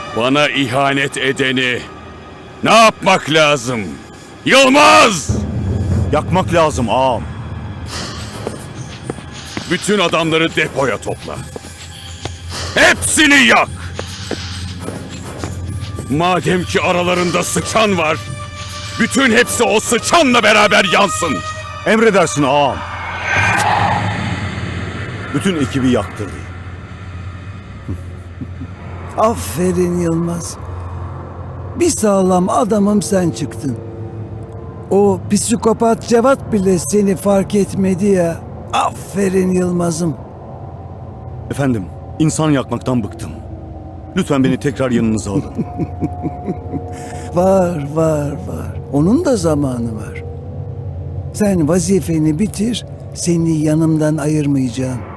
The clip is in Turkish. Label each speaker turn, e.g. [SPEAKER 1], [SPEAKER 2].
[SPEAKER 1] Bana ihanet edeni ne yapmak lazım? Yılmaz!
[SPEAKER 2] Yakmak lazım ağam.
[SPEAKER 1] Bütün adamları depoya topla. Hepsini yak! Madem ki aralarında sıçan var, bütün hepsi o sıçanla beraber yansın.
[SPEAKER 2] Emredersin ağam. Bütün ekibi yaktırdı.
[SPEAKER 3] Aferin Yılmaz. Bir sağlam adamım sen çıktın. O psikopat Cevat bile seni fark etmedi ya. Aferin Yılmaz'ım.
[SPEAKER 2] Efendim, insan yakmaktan bıktım. Lütfen beni tekrar yanınıza alın.
[SPEAKER 3] Var. Onun da zamanı var. Sen vazifeni bitir, seni yanımdan ayırmayacağım.